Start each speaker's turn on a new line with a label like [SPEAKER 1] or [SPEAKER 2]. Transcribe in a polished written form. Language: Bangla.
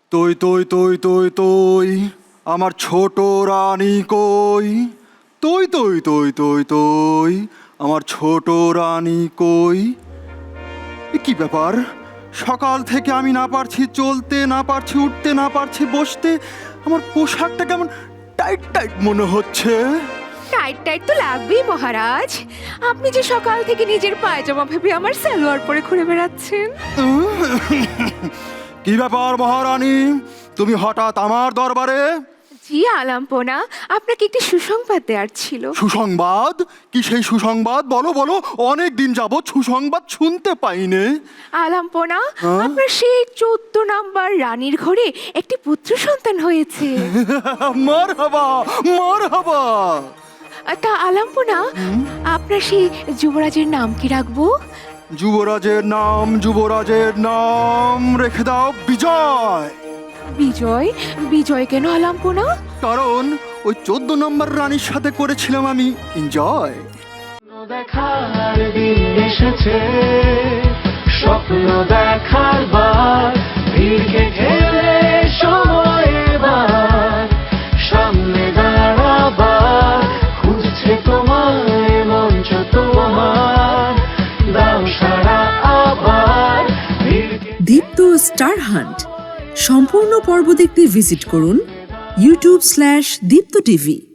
[SPEAKER 1] তুই তুই তুই তুই তুই আমার ছোট রানী কই? তুই তুই তুই তুই তুই আমার ছোট রানী কই? এ কি ব্যাপার? সকাল থেকে আমি না পারছি চলতে, না পারছি উঠতে, না পারছি বসতে। আমার পোশাকটা কেমন টাইট টাইট মনে হচ্ছে।
[SPEAKER 2] টাইট টাইট তো লাগবেই মহারাজ। আপনি যে সকাল থেকে নিজের পায়জামা ভেবে আমার সালোয়ার পরে ঘুরে বেড়াচ্ছেন।
[SPEAKER 1] কি ব্যাপার মহারানী, তুমি হঠাৎ আমার দরবারে?
[SPEAKER 2] জি আলাম্পনা, আপনাকে একটি সুসংবাদ দেওয়ার ছিল।
[SPEAKER 1] সুসংবাদ? কি সেই সুসংবাদ? বলো বলো, অনেক দিন যাবৎ সুসংবাদ শুনতে পাইনে।
[SPEAKER 2] আলাম্পনা, আপনার সেই 14 নাম্বার রানীর ঘরে একটি পুত্র সন্তান হয়েছে।
[SPEAKER 1] মারহাবা মারহাবা।
[SPEAKER 2] তা আলাম্পনা, আপনার সেই যুবরাজের নাম কি রাখবো?
[SPEAKER 1] যুবরাজের নাম রেখে দাও বিজয়।
[SPEAKER 2] বিজয়? বিজয় কেন আলাম্পনা?
[SPEAKER 1] কারণ ওই 14 নম্বর রানীর সাথে করেছিলাম আমি এনজয়।
[SPEAKER 3] দেখার দিন এসেছে, স্বপ্ন দেখার বার, ভিড়কে ঠেলে সময় এবার সামনে দাঁড়াবার, খুঁজছে তোমায় মঞ্চ তোমার, দাও সারা আবার
[SPEAKER 4] দীপ্ত স্টার হান্ট সম্পূর্ণ পর্ব দেখতে ভিজিট করুন youtube/দীপ্ত টিভি।